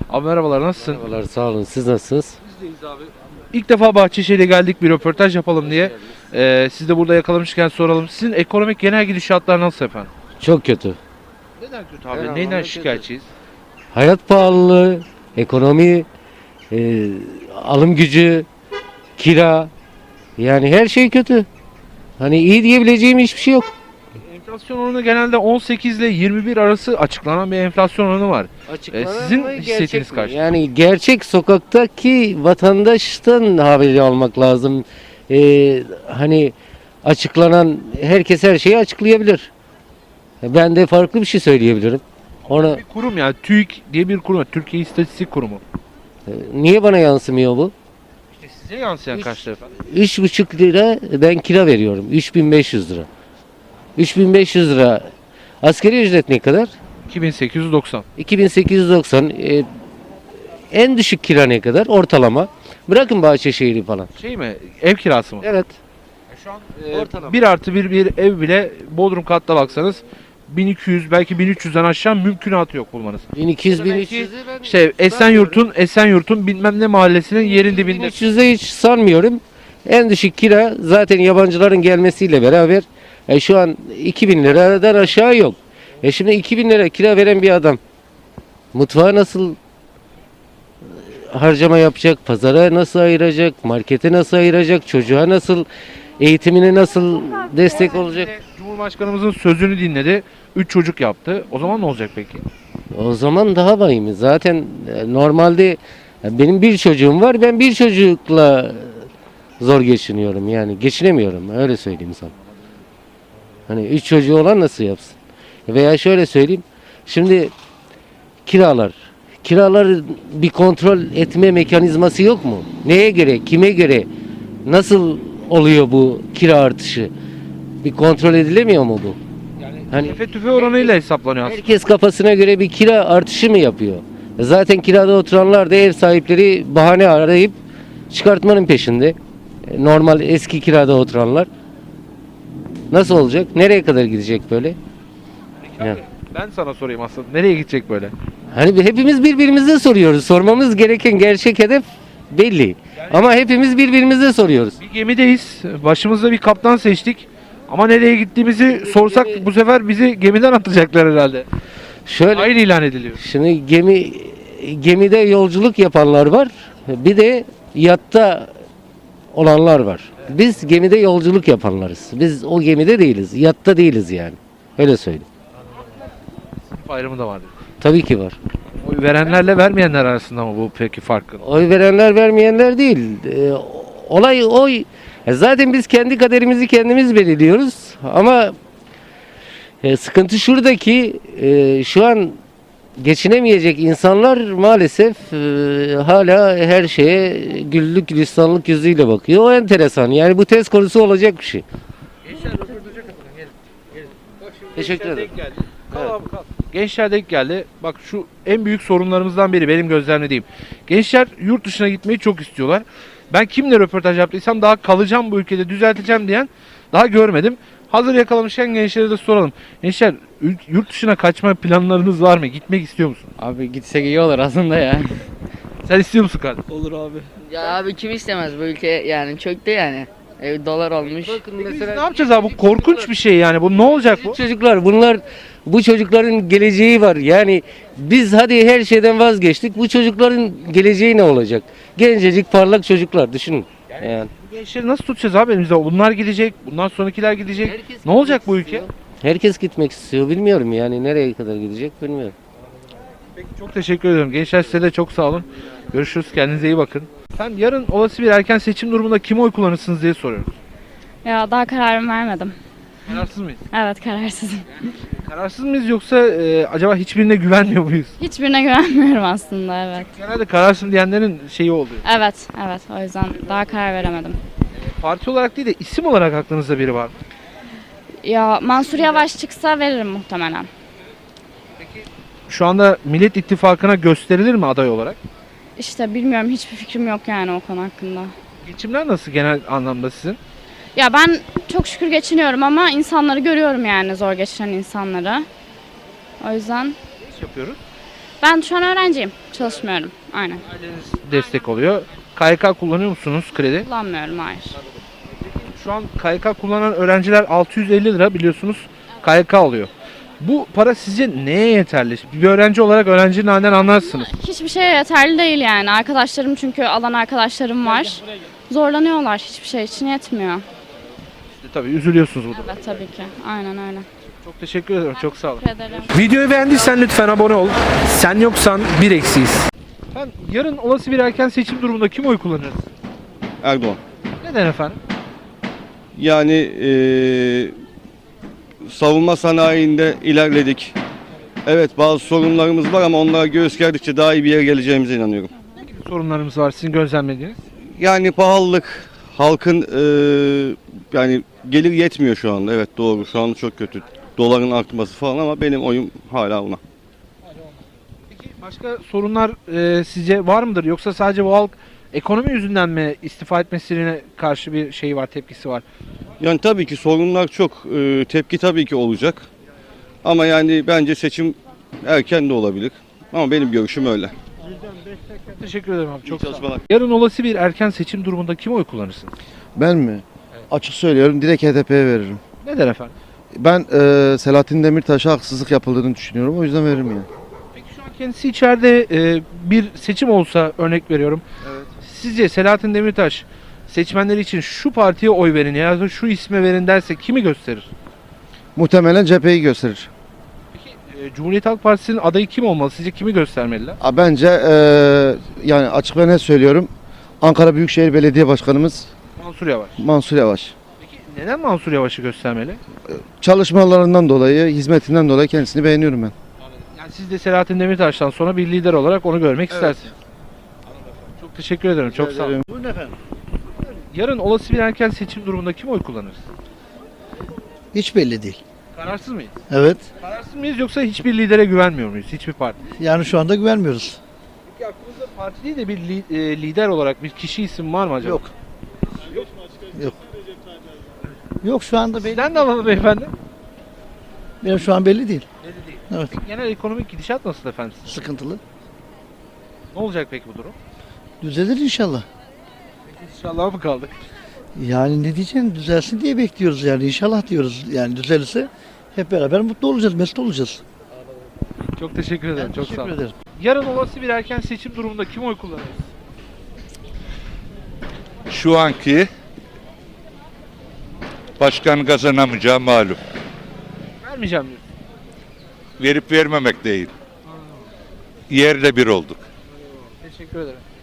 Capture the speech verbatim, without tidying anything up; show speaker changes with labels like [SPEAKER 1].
[SPEAKER 1] Abi merhabalar, nasılsın?
[SPEAKER 2] Merhabalar, sağ olun. Siz nasılsınız?
[SPEAKER 1] Bizdeyiz abi. İlk defa Bahçeşehir'e geldik, bir röportaj yapalım diye. Ee, siz de burada yakalamışken soralım. Sizin ekonomik genel gidişatlar nasıl efendim?
[SPEAKER 2] Çok kötü.
[SPEAKER 1] Neden kötü
[SPEAKER 2] Her
[SPEAKER 1] abi?
[SPEAKER 2] anlamda
[SPEAKER 1] Neyden
[SPEAKER 2] kötü.
[SPEAKER 1] şikayetçiyiz?
[SPEAKER 2] Hayat pahalılığı, ekonomi, e, alım gücü, kira. Yani her şey kötü. Hani iyi diyebileceğim hiçbir şey yok.
[SPEAKER 1] Enflasyon oranı genelde on sekiz ile yirmi bir arası açıklanan bir enflasyon oranı var. Ee, sizin
[SPEAKER 2] mı,
[SPEAKER 1] hissettiğiniz
[SPEAKER 2] gerçek mi?
[SPEAKER 1] kaç?
[SPEAKER 2] Yani gerçek sokaktaki vatandaştan haberi almak lazım. E, hani açıklanan herkes her şeyi açıklayabilir. Ben de farklı bir şey söyleyebilirim. Ona
[SPEAKER 1] Bir kurum yani TÜİK diye bir kurum, Türkiye İstatistik Kurumu.
[SPEAKER 2] e, niye bana yansımıyor bu?
[SPEAKER 1] İşte size yansıyan
[SPEAKER 2] Üç-
[SPEAKER 1] kaçtır efendim?
[SPEAKER 2] Üç buçuk lira ben kira veriyorum. Üç bin beş yüz lira. Üç bin beş yüz lira. Asgari ücret ne kadar?
[SPEAKER 1] iki bin sekiz yüz doksan.
[SPEAKER 2] iki bin sekiz yüz doksan. E, en düşük kira ne kadar? Ortalama. Bırakın Bahçeşehir'i falan.
[SPEAKER 1] Şey mi? Ev kirası mı?
[SPEAKER 2] Evet.
[SPEAKER 1] Şu an
[SPEAKER 2] Ortalama.
[SPEAKER 1] bir artı bir bir ev bile Bodrum katta baksanız bin iki yüz belki bin üç yüzden aşağı mümkünatı yok bulmanız.
[SPEAKER 2] bin iki yüz bin üç
[SPEAKER 1] Belki
[SPEAKER 2] yüz'ü ben
[SPEAKER 1] İşte Esenyurt'un Esenyurt'un bilmem ne mahallesinin yerin dibinde.
[SPEAKER 2] bin üç yüz'e hiç sanmıyorum. En düşük kira zaten yabancıların gelmesiyle beraber e, şu an iki bin liradan aşağı yok. E şimdi iki bin lira kira veren bir adam mutfağa nasıl harcama yapacak, pazara nasıl ayıracak, markete nasıl ayıracak, çocuğa nasıl, eğitimine nasıl destek olacak?
[SPEAKER 1] Cumhurbaşkanımızın sözünü dinledi. Üç çocuk yaptı. O zaman ne olacak peki?
[SPEAKER 2] O zaman daha vahim. Zaten e, normalde e, benim bir çocuğum var, ben bir çocukla zor geçiniyorum yani geçinemiyorum öyle söyleyeyim sana. Hani üç çocuğu olan nasıl yapsın? Veya şöyle söyleyeyim, şimdi kiralar, kiralar bir kontrol etme mekanizması yok mu? Neye göre, kime göre, nasıl oluyor bu kira artışı? Bir kontrol edilemiyor mu bu?
[SPEAKER 1] Yani
[SPEAKER 2] Hani
[SPEAKER 1] tefe tüfe oranıyla hesaplanıyor aslında.
[SPEAKER 2] herkes kafasına göre bir kira artışı mı yapıyor? Zaten kirada oturanlar da ev sahipleri bahane arayıp çıkartmanın peşinde. E, Normal eski kirada oturanlar. Nasıl olacak? Nereye kadar gidecek böyle?
[SPEAKER 1] Peki
[SPEAKER 2] Ya.
[SPEAKER 1] abi, ben sana sorayım aslında. Nereye gidecek böyle?
[SPEAKER 2] Hani bir- hepimiz birbirimize soruyoruz. Sormamız gereken gerçek hedef belli. Ama hepimiz birbirimize soruyoruz.
[SPEAKER 1] Bir gemideyiz. Başımızda bir kaptan seçtik. Ama nereye gittiğimizi sorsak bu sefer bizi gemiden atacaklar herhalde.
[SPEAKER 2] Şöyle
[SPEAKER 1] Hayır ilan ediliyor.
[SPEAKER 2] şimdi gemi gemide yolculuk yapanlar var. Bir de yatta olanlar var. Biz gemide yolculuk yapanlarız. Biz o gemide değiliz. Yatta değiliz yani. Öyle söyleyeyim.
[SPEAKER 1] Sınıf ayrımı da vardır.
[SPEAKER 2] Tabii ki var.
[SPEAKER 1] Oy verenlerle vermeyenler arasında mı bu peki farkı?
[SPEAKER 2] Oy verenler vermeyenler değil. Ee, olay oy. E zaten biz kendi kaderimizi kendimiz belirliyoruz. Ama e, sıkıntı şuradaki e, şu an geçinemeyecek insanlar maalesef e, hala her şeye güllük gülistanlık yüzüyle bakıyor. O enteresan. Yani bu test konusu olacak bir şey. Teşekkür ederim.
[SPEAKER 1] Kal abi kal. Gençler denk geldi. Bak şu en büyük sorunlarımızdan biri benim gözlemlediğim. Gençler yurt dışına gitmeyi çok istiyorlar. Ben kimle röportaj yaptıysam daha kalacağım bu ülkede düzelteceğim diyen daha görmedim. Hazır yakalamışken gençlere de soralım. Gençler ül- yurt dışına kaçma planlarınız var mı? Gitmek istiyor musun?
[SPEAKER 3] Abi gitsek iyi olur aslında ya.
[SPEAKER 1] Sen istiyor musun kardeşim?
[SPEAKER 4] Olur abi.
[SPEAKER 5] Ya abi kim istemez bu ülke yani çöktü yani. Ev dolar olmuş.
[SPEAKER 2] Bakın
[SPEAKER 1] Biz
[SPEAKER 2] mesela
[SPEAKER 1] ne yapacağız abi? Bu korkunç bir şey yani. Bu ne olacak bu?
[SPEAKER 2] çocuklar bunlar bu çocukların geleceği var. Yani biz hadi her şeyden vazgeçtik. Bu çocukların geleceği ne olacak? Gencecik parlak çocuklar düşünün. Yani,
[SPEAKER 1] Bu gençleri nasıl tutacağız abi elimizde? Bunlar gidecek, bundan sonrakiler gidecek. Ne olacak bu ülke?
[SPEAKER 2] herkes gitmek istiyor. Bilmiyorum yani nereye kadar gidecek bilmiyorum.
[SPEAKER 1] Peki çok teşekkür ederim. Gençler size de çok sağ olun. Görüşürüz. Kendinize iyi bakın. Sen yarın olası bir erken seçim durumunda kime oy kullanırsınız diye soruyoruz.
[SPEAKER 6] Ya daha kararımı vermedim.
[SPEAKER 1] Kararsız mıyız?
[SPEAKER 6] Evet kararsızım.
[SPEAKER 1] Kararsız mıyız yoksa e, acaba hiçbirine güvenmiyor muyuz?
[SPEAKER 6] Hiçbirine güvenmiyorum aslında evet.
[SPEAKER 1] Genelde kararsız diyenlerin şeyi oluyor.
[SPEAKER 6] Evet evet o yüzden daha karar veremedim.
[SPEAKER 1] Parti olarak değil de isim olarak aklınızda biri var mı?
[SPEAKER 6] Ya Mansur Yavaş çıksa veririm muhtemelen.
[SPEAKER 1] Şu anda Millet İttifakı'na gösterilir mi aday olarak?
[SPEAKER 6] İşte bilmiyorum hiçbir fikrim yok yani o konu hakkında.
[SPEAKER 1] Geçimler nasıl genel anlamda sizin?
[SPEAKER 6] Ya ben çok şükür geçiniyorum ama insanları görüyorum yani zor geçinen insanları. O yüzden
[SPEAKER 1] Ne iş yapıyoruz?
[SPEAKER 6] Ben şu an öğrenciyim. Çalışmıyorum. Aynen.
[SPEAKER 1] Aileniz destek oluyor. K Y K kullanıyor musunuz kredi?
[SPEAKER 6] Kullanmıyorum, hayır.
[SPEAKER 1] Şu an K Y K kullanan öğrenciler altı yüz elli lira biliyorsunuz K Y K alıyor. Bu para sizce neye yeterli? Bir öğrenci olarak öğrencinin halinden anlarsınız.
[SPEAKER 6] Hiçbir şeye yeterli değil yani. Arkadaşlarım, çünkü alan arkadaşlarım var. Zorlanıyorlar. Hiçbir şey için yetmiyor.
[SPEAKER 1] İşte tabii üzülüyorsunuz bu durumda.
[SPEAKER 6] Evet, tabii ki. Aynen öyle.
[SPEAKER 1] Çok teşekkür ederim. Çok sağ olun.
[SPEAKER 6] Teşekkür ederim.
[SPEAKER 1] Videoyu beğendiysen lütfen abone ol. Sen yoksan bir eksiyiz. Efendim, yarın olası bir erken seçim durumunda kim oy kullanır?
[SPEAKER 4] Erdoğan.
[SPEAKER 1] Neden efendim?
[SPEAKER 4] Yani eee, savunma sanayinde ilerledik. Evet, bazı sorunlarımız var ama onlara göğüs gerdikçe daha iyi bir yere geleceğimize inanıyorum.
[SPEAKER 1] Ne gibi sorunlarımız var sizin gözlemlediğiniz?
[SPEAKER 4] Yani pahalılık, halkın eee, yani gelir yetmiyor şu anda. Evet, doğru, şu anda çok kötü. Doların artması falan ama benim oyum hala ona.
[SPEAKER 1] Peki başka sorunlar e, sizce var mıdır? Yoksa sadece bu halk ekonomi yüzünden mi istifa etmesine karşı bir şey var, tepkisi var?
[SPEAKER 4] Yani tabii ki sorunlar çok, eee, tepki tabii ki olacak. Ama yani bence seçim erken de olabilir. Ama benim görüşüm öyle.
[SPEAKER 1] Teşekkür ederim abi. Çok
[SPEAKER 4] İyi
[SPEAKER 1] sağ olun.
[SPEAKER 4] çalışmalar.
[SPEAKER 1] Yarın olası bir erken seçim durumunda kim oy kullanırsın?
[SPEAKER 7] Ben mi? Açık söylüyorum, direkt H D P'ye veririm.
[SPEAKER 1] Neden efendim?
[SPEAKER 7] Ben e, Selahattin Demirtaş'a haksızlık yapıldığını düşünüyorum. O yüzden veririm yani.
[SPEAKER 1] Peki şu an kendisi içeride e, bir seçim olsa örnek veriyorum.
[SPEAKER 7] Evet.
[SPEAKER 1] Sizce Selahattin Demirtaş seçmenleri için şu partiye oy verin ya da şu isme verin derse kimi gösterir?
[SPEAKER 7] Muhtemelen cepheyi gösterir.
[SPEAKER 1] Peki e, Cumhuriyet Halk Partisi'nin adayı kim olmalı? Sizce kimi göstermeliler?
[SPEAKER 7] A, Bence e, yani açık ve net söylüyorum. Ankara Büyükşehir Belediye Başkanımız
[SPEAKER 1] Mansur Yavaş.
[SPEAKER 7] Mansur Yavaş.
[SPEAKER 1] Peki neden Mansur Yavaş'ı göstermeli?
[SPEAKER 7] Çalışmalarından dolayı, hizmetinden dolayı kendisini beğeniyorum ben.
[SPEAKER 1] Yani siz de Selahattin Demirtaş'tan sonra bir lider olarak onu görmek istersiniz. Çok teşekkür ederim. Çok sağ olun.
[SPEAKER 7] Buyurun efendim.
[SPEAKER 1] Yarın olası bir erken seçim durumunda kim oy kullanır?
[SPEAKER 8] Hiç belli değil.
[SPEAKER 1] Kararsız mıyız?
[SPEAKER 8] Evet.
[SPEAKER 1] Kararsız mıyız yoksa hiçbir lidere güvenmiyor muyuz? Hiçbir parti.
[SPEAKER 8] Yani şu anda güvenmiyoruz.
[SPEAKER 1] Peki aklınızda parti değil de bir li- e, lider olarak bir kişi isim var mı acaba?
[SPEAKER 8] Yok. Yok. Yok şu anda belli.
[SPEAKER 1] Sizden de alalım beyefendi.
[SPEAKER 8] Benim şu an belli değil.
[SPEAKER 1] Belli değil.
[SPEAKER 8] Evet.
[SPEAKER 1] Peki genel ekonomik gidişat nasıl efendim?
[SPEAKER 8] Sıkıntılı.
[SPEAKER 1] Ne olacak peki bu durum?
[SPEAKER 8] Düzelir inşallah.
[SPEAKER 1] İnşallah mı kaldık?
[SPEAKER 8] Yani ne diyeceğim, düzelsin diye bekliyoruz yani, inşallah diyoruz. Yani düzelirse hep beraber mutlu olacağız, mesut olacağız.
[SPEAKER 1] Çok teşekkür ederim.
[SPEAKER 8] Ben
[SPEAKER 1] Çok
[SPEAKER 8] teşekkür
[SPEAKER 1] sağ olun.
[SPEAKER 8] ederim.
[SPEAKER 1] Yarın olası bir erken seçim durumunda kim oy kullanır?
[SPEAKER 9] Şu anki başkan kazanamayacağı malum.
[SPEAKER 1] Vermeyeceğim diyor.
[SPEAKER 9] Verip vermemek değil. Yerle bir olduk.
[SPEAKER 1] Teşekkür ederim.